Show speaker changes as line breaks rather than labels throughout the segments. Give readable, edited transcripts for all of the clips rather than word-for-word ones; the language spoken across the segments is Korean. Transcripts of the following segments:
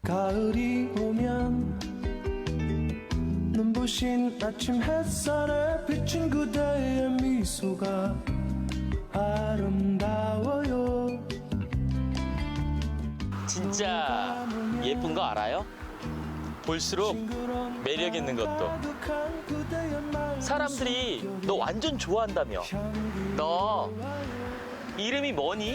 가을이 오면 눈부신 아침 햇살에 비친 그대의 미소가 아름다워요.
진짜 예쁜 거 알아요? 볼수록 매력 있는 것도. 사람들이 너 완전 좋아한다며. 너 이름이 뭐니?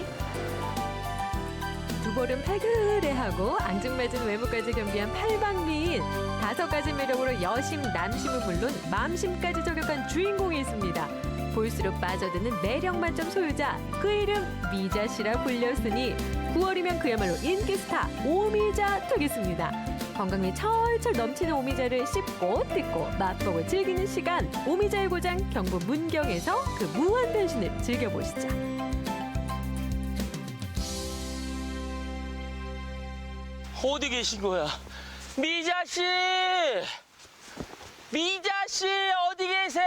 두 볼은 팔그레하고 앙증맞은 외모까지 겸비한 팔방미인. 5가지 매력으로 여심, 남심은 물론 맘심까지 저격한 주인공이 있습니다. 볼수록 빠져드는 매력 만점 소유자. 그 이름 미자 씨라 불렸으니 9월이면 그야말로 인기 스타 오미자 되겠습니다. 건강미 철철 넘치는 오미자를 씹고 뜯고 맛보고 즐기는 시간. 오미자의 고장 경북 문경에서 그 무한 변신을 즐겨보시죠.
어디 계신 거야? 미자 씨! 미자 씨 어디 계세요?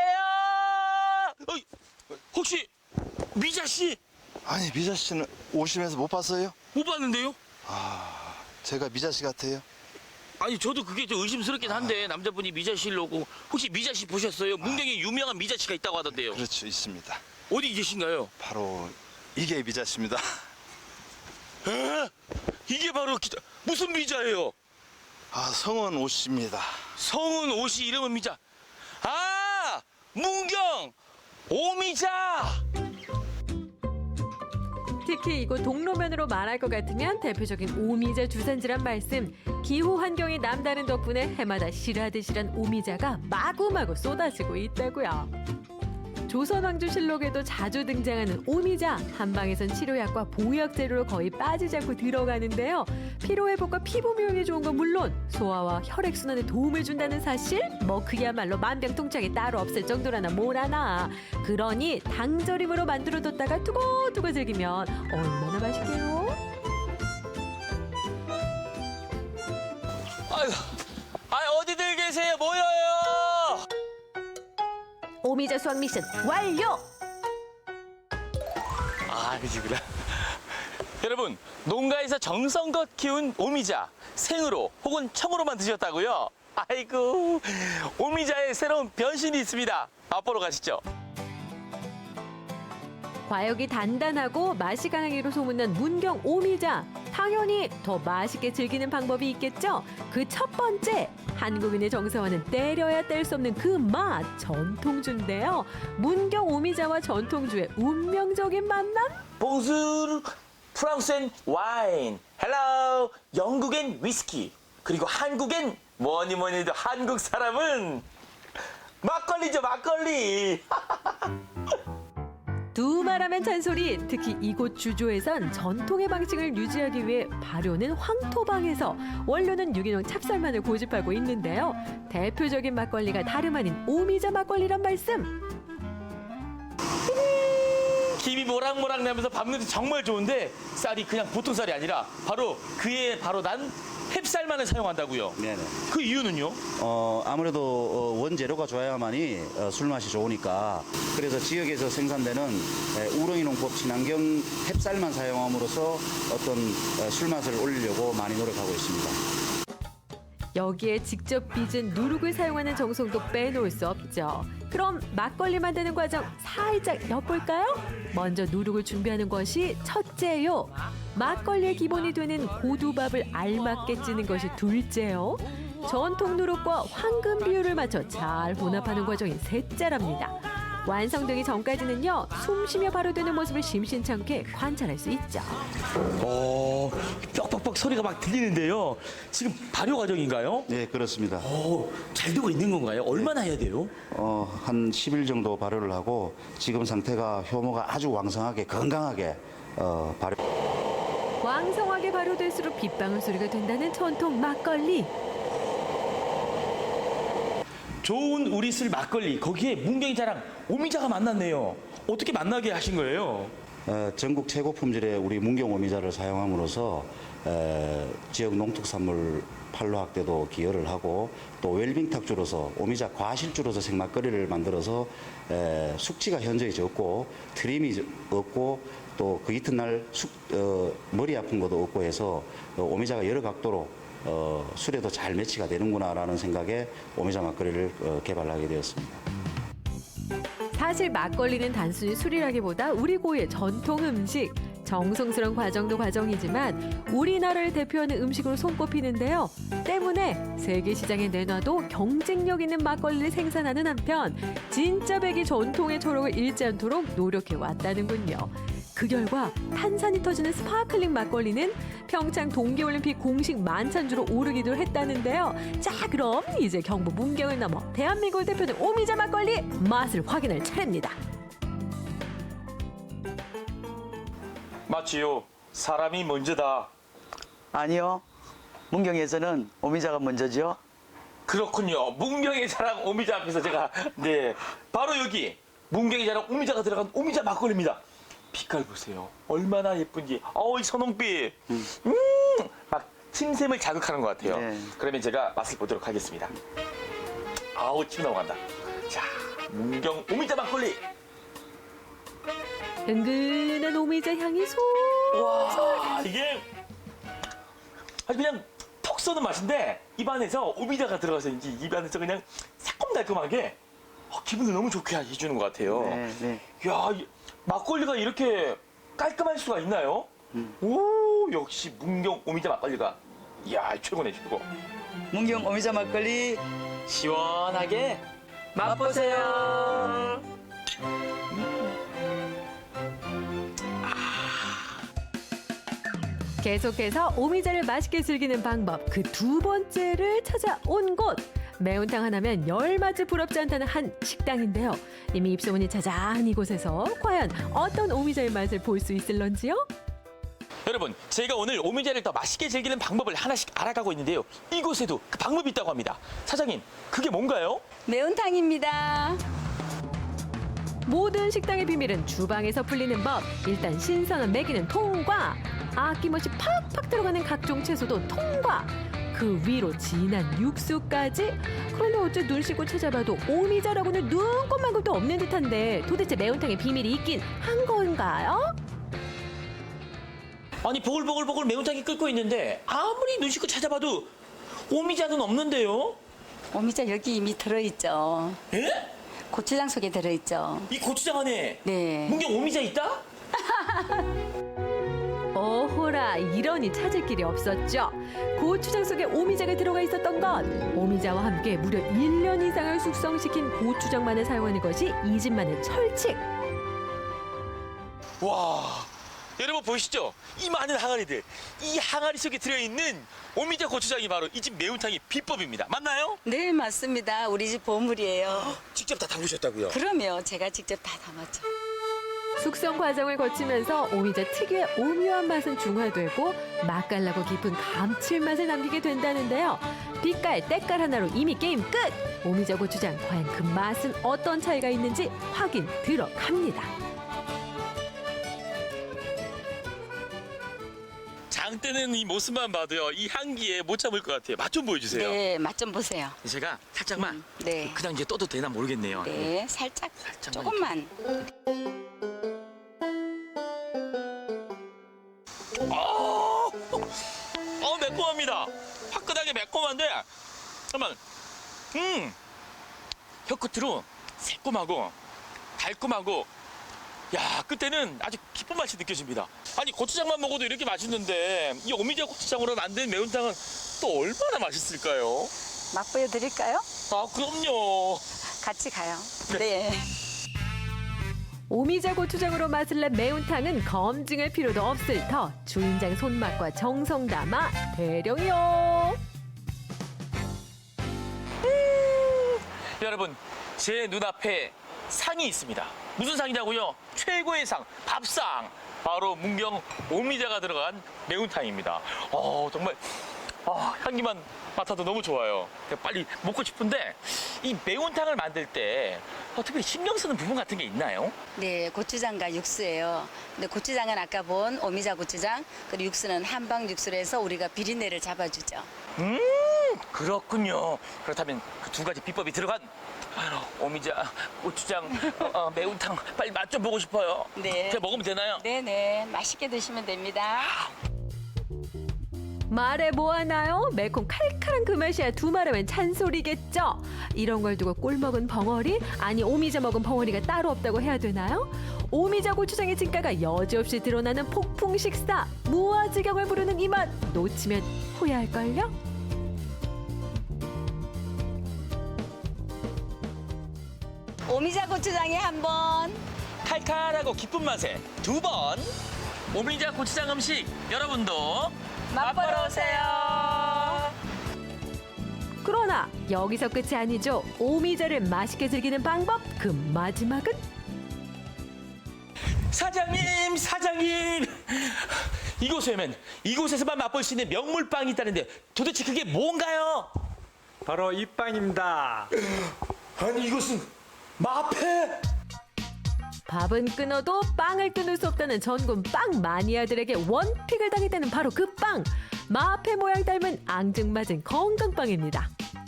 혹시 미자 씨?
아니 미자 씨는 오시면서 못 봤어요?
못 봤는데요?
제가 미자 씨 같아요?
아니 저도 그게 좀 의심스럽긴 한데 남자분이 미자 씨를 오고 혹시 미자 씨 보셨어요? 문경에 유명한 미자 씨가 있다고 하던데요.
그렇죠, 있습니다.
어디 계신가요?
바로 이게 미자 씨입니다.
에? 이게 바로 무슨 미자예요?
성은 오 씨입니다.
성은 오씨 이름은 미자. 아! 문경 오미자!
특히 이곳 동로면으로 말할 것 같으면 대표적인 오미자 주산지란 말씀. 기후 환경이 남다른 덕분에 해마다 실하듯실한 오미자가 마구마구 쏟아지고 있다고요. 조선왕조실록에도 자주 등장하는 오미자. 한방에선 치료약과 보약 재료로 거의 빠지지 않고 들어가는데요. 피로회복과 피부 미용에 좋은 건 물론 소화와 혈액순환에 도움을 준다는 사실? 뭐 그야말로 만병통치약이 따로 없을 정도라나 뭐라나. 그러니 당절임으로 만들어뒀다가 두고두고 즐기면 얼마나 맛있게요?
아유, 어디들 계세요? 모여요!
오미자 수확 미션 완료!
그지구나. 여러분, 농가에서 정성껏 키운 오미자 생으로 혹은 청으로만 드셨다고요? 아이고, 오미자의 새로운 변신이 있습니다. 맛보러 가시죠.
과육이 단단하고 맛이 강하기로 소문난 문경 오미자. 당연히 더 맛있게 즐기는 방법이 있겠죠? 그 첫 번째, 한국인의 정서와는 때려야 뗄 수 없는 그 맛, 전통주인데요. 문경 오미자와 전통주의 운명적인 만남?
봉수르 프랑스엔 와인, 헬로 영국엔 위스키, 그리고 한국엔 뭐니 해도 한국 사람은 막걸리죠, 막걸리.
두말하면 잔소리. 특히 이곳 주조에선 전통의 방식을 유지하기 위해 발효는 황토방에서, 원료는 유기농 찹쌀만을 고집하고 있는데요. 대표적인 막걸리가 다름 아닌 오미자 막걸리란 말씀.
김이 모락모락 나면서 밥맛이 정말 좋은데 쌀이 그냥 보통 쌀이 아니라 바로 그에 바로 난 햅쌀만을 사용한다고요.
네네.
그 이유는요?
아무래도 원재료가 좋아야만이 술맛이 좋으니까, 그래서 지역에서 생산되는 우렁이 농법 친환경 햅쌀만 사용함으로써 어떤 술맛을 올리려고 많이 노력하고 있습니다.
여기에 직접 빚은 누룩을 사용하는 정성도 빼놓을 수 없죠. 그럼 막걸리 만드는 과정 살짝 엿볼까요? 먼저 누룩을 준비하는 것이 첫째요. 막걸리의 기본이 되는 고두밥을 알맞게 찌는 것이 둘째요. 전통 누룩과 황금 비율을 맞춰 잘 혼합하는 과정이 셋째랍니다. 완성되기 전까지는요, 숨쉬며 발효되는 모습을 심심찮게 관찰할 수 있죠.
뻑뻑뻑 소리가 막 들리는데요. 지금 발효 과정인가요?
네, 그렇습니다.
잘 되고 있는 건가요? 얼마나 해야 돼요?
한 10일 정도 발효를 하고, 지금 상태가 효모가 아주 왕성하게 건강하게 발효.
왕성하게 발효될수록 빗방울 소리가 된다는 전통 막걸리.
좋은 우리 술 막걸리, 거기에 문경이 자랑 오미자가 만났네요. 어떻게 만나게 하신 거예요?
전국 최고 품질의 우리 문경 오미자를 사용함으로써 지역 농특산물 판로 확대도 기여를 하고, 또 웰빙탁주로서 오미자 과실주로서 생막걸리를 만들어서 숙취가 현저히 적고 트림이 없고, 또 그 이튿날 머리 아픈 것도 없고 해서 오미자가 여러 각도로 술에도 잘 매치가 되는구나라는 생각에 오미자 막걸리를 개발하게 되었습니다.
사실 막걸리는 단순히 술이라기보다 우리 고유의 전통 음식. 정성스러운 과정도 과정이지만 우리나라를 대표하는 음식으로 손꼽히는데요. 때문에 세계 시장에 내놔도 경쟁력 있는 막걸리를 생산하는 한편 진짜 백이 전통의 초록을 잃지 않도록 노력해 왔다는군요. 그 결과 탄산이 터지는 스파클링 막걸리는 평창 동계올림픽 공식 만찬주로 오르기도 했다는데요. 자, 그럼 이제 경북 문경을 넘어 대한민국을 대표하는 오미자 막걸리 맛을 확인할 차례입니다.
맞지요. 사람이 먼저다.
아니요. 문경에서는 오미자가 먼저죠.
그렇군요. 문경의 자랑 오미자 앞에서 제가 네 바로 여기 문경의 자랑 오미자가 들어간 오미자 막걸리입니다. 빛깔 보세요. 얼마나 예쁜지. 이 선홍빛. 막 침샘을 자극하는 것 같아요.
네.
그러면 제가 맛을 보도록 하겠습니다. 아우 침 넘어간다. 자, 문경 오미자 막걸리.
은근한 오미자 향이
와, 이게 아주 그냥 턱 쏘는 맛인데 입안에서 오미자가 들어가서인지 입안에서 그냥 새콤달콤하게 기분을 너무 좋게 해주는 것 같아요.
네, 네.
야, 막걸리가 이렇게 깔끔할 수가 있나요? 오, 역시 문경 오미자 막걸리가 이야 최고네 최고.
문경 오미자 막걸리
시원하게 맛보세요.
계속해서 오미자를 맛있게 즐기는 방법 그 두 번째를 찾아온 곳 매운탕 하나면 열맛이 부럽지 않다는 한 식당인데요. 이미 입소문이 자자한 이곳에서 과연 어떤 오미자의 맛을 볼 수 있을런지요?
여러분, 제가 오늘 오미자를 더 맛있게 즐기는 방법을 하나씩 알아가고 있는데요. 이곳에도 그 방법이 있다고 합니다. 사장님, 그게 뭔가요?
매운탕입니다.
모든 식당의 비밀은 주방에서 풀리는 법. 일단 신선한 매기는 통과. 아낌없이 팍팍 들어가는 각종 채소도 통과. 그 위로 진한 육수까지. 그런데 어째 눈 씻고 찾아봐도 오미자라고는 눈꽃만큼도 없는 듯한데 도대체 매운탕에 비밀이 있긴 한 건가요?
아니 보글보글 매운탕이 끓고 있는데 아무리 눈 씻고 찾아봐도 오미자는 없는데요?
오미자 여기 이미 들어있죠.
예?
고추장 속에 들어있죠.
이 고추장 안에
네.
문경 오미자 있다?
어호라, 이러니 찾을 길이 없었죠. 고추장 속에 오미자가 들어가 있었던 것. 오미자와 함께 무려 1년 이상을 숙성시킨 고추장만을 사용하는 것이 이 집만의 철칙.
와, 여러분 보이시죠? 이 많은 항아리들. 이 항아리 속에 들어있는 오미자 고추장이 바로 이 집 매운탕의 비법입니다. 맞나요?
네, 맞습니다. 우리 집 보물이에요.
직접 다 담그셨다고요?
그럼요. 제가 직접 다 담았죠.
숙성 과정을 거치면서 오미자 특유의 오묘한 맛은 중화되고 맛깔나고 깊은 감칠맛을 남기게 된다는데요. 빛깔, 때깔 하나로 이미 게임 끝! 오미자 고추장 과연 그 맛은 어떤 차이가 있는지 확인 들어갑니다.
장 뜨는 이 모습만 봐도요, 이 향기에 못 참을 것 같아요. 맛 좀 보여주세요.
네, 맛 좀 보세요.
제가 살짝만
네.
그냥 이제 떠도 되나 모르겠네요.
네, 살짝,
살짝만
조금만.
매콤합니다. 화끈하게 매콤한데, 잠깐만, 혀 끝으로 새콤하고 달콤하고, 야, 끝에는 아주 기쁜 맛이 느껴집니다. 아니 고추장만 먹어도 이렇게 맛있는데 이 오미자 고추장으로 만든 매운탕은 또 얼마나 맛있을까요?
맛 보여드릴까요?
아, 그럼요.
같이 가요. 네.
오미자 고추장으로 맛을 낸 매운탕은 검증할 필요도 없을 터 주인장 손맛과 정성 담아 대령이요.
여러분, 제 눈앞에 상이 있습니다. 무슨 상이냐고요? 최고의 상, 밥상. 바로 문경 오미자가 들어간 매운탕입니다. 정말 향기만 맡아도 너무 좋아요. 빨리 먹고 싶은데 이 매운탕을 만들 때 특별히 신경 쓰는 부분 같은 게 있나요?
네, 고추장과 육수예요. 근데 고추장은 아까 본 오미자 고추장, 그리고 육수는 한방 육수로 해서 우리가 비린내를 잡아주죠.
그렇군요. 그렇다면 그 두 가지 비법이 들어간 오미자 고추장 매운탕 빨리 맛 좀 보고 싶어요.
네.
제가 먹으면 되나요?
네네, 맛있게 드시면 됩니다.
말해 뭐하나요? 매콤 칼칼한 그 맛이야 두말하면 찬소리겠죠. 이런 걸 두고 꿀 먹은 벙어리? 아니 오미자 먹은 벙어리가 따로 없다고 해야 되나요? 오미자 고추장의 진가가 여지없이 드러나는 폭풍 식사. 무아지경을 부르는 이 맛 놓치면 후회할걸요?
오미자 고추장에 한 번.
칼칼하고 깊은 맛에 2번. 오미자 고추장 음식 여러분도 맛보러 오세요.
그러나 여기서 끝이 아니죠. 오미자를 맛있게 즐기는 방법 그 마지막은
사장님 이곳에 오면 이곳에서만 맛볼 수 있는 명물빵이 있다는데 도대체 그게 뭔가요?
바로 이 빵입니다.
아니 이곳은 마패.
밥은 끊어도 빵을 끊을 수 없다는 전국 빵 마니아들에게 원픽을 당했다는 바로 그 빵. 마패 모양 닮은 앙증맞은 건강빵입니다.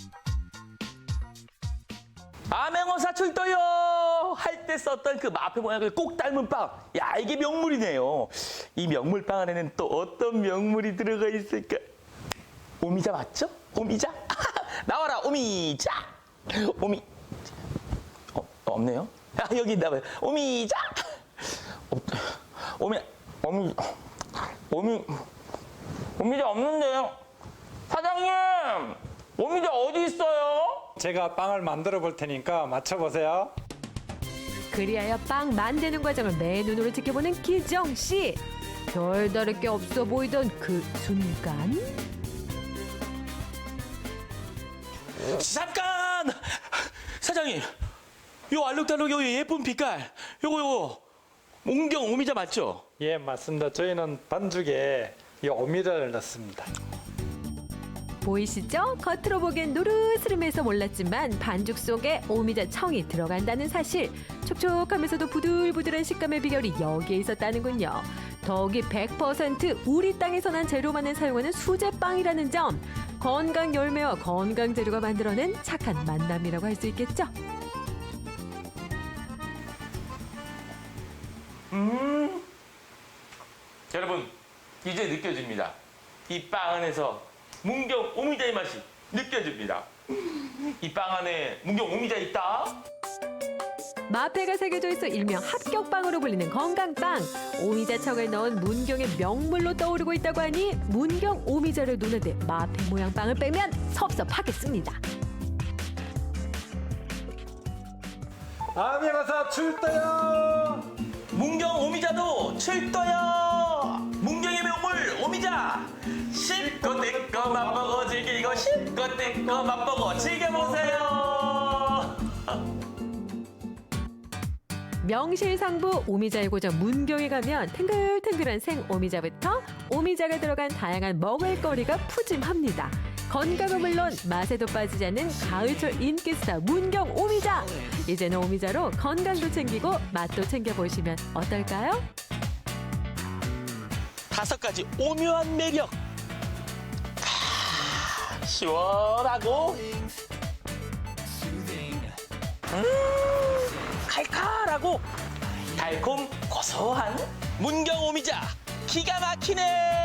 암행어사 출도요 할 때 썼던 그 마패 모양을 꼭 닮은 빵. 야 이게 명물이네요. 이 명물빵 안에는 또 어떤 명물이 들어가 있을까? 오미자 맞죠? 오미자? 나와라 오미자. 없네요. 아 여기 있나 봐요. 오미자. 오미자 없는데요. 사장님 오미자 어디 있어요?
제가 빵을 만들어 볼 테니까 맞춰보세요.
그리하여 빵 만드는 과정을 맨눈으로 지켜보는 기정 씨. 별다를 게 없어 보이던 그 순간
잠깐! 사장님, 요 알록달록 요 예쁜 빛깔, 요거 문경 오미자 맞죠?
예, 맞습니다. 저희는 반죽에 이 오미자를 넣습니다.
보이시죠? 겉으로 보기엔 노르스름해서 몰랐지만 반죽 속에 오미자 청이 들어간다는 사실. 촉촉하면서도 부들부들한 식감의 비결이 여기에 있었다는군요. 더욱이 100% 우리 땅에서 난 재료만을 사용하는 수제빵이라는 점. 건강 열매와 건강 재료가 만들어낸 착한 만남이라고 할 수 있겠죠.
여러분, 이제 느껴집니다. 이 빵 안에서 문경 오미자의 맛이 느껴집니다. 이 빵 안에 문경 오미자 있다.
마패가 새겨져 있어 일명 합격빵으로 불리는 건강빵. 오미자청을 넣은 문경의 명물로 떠오르고 있다고 하니 문경 오미자를 노는데 마패 모양 빵을 빼면 섭섭하겠습니다.
암행어사 출도요.
문경 오미자도 출도요. 문경의 명물 오미자. 실컷 내꺼 맛보고 즐기고 실컷 내꺼 맛보고 즐겨보세요.
명실상부 오미자의 고장 문경에 가면 탱글탱글한 생 오미자부터 오미자가 들어간 다양한 먹을거리가 푸짐합니다. 건강은 물론 맛에도 빠지지 않는 가을철 인기스타 문경 오미자. 이제는 오미자로 건강도 챙기고 맛도 챙겨보시면 어떨까요?
5가지 오묘한 매력. 시원하고 칼칼하고 달콤 고소한 문경 오미자 기가 막히네.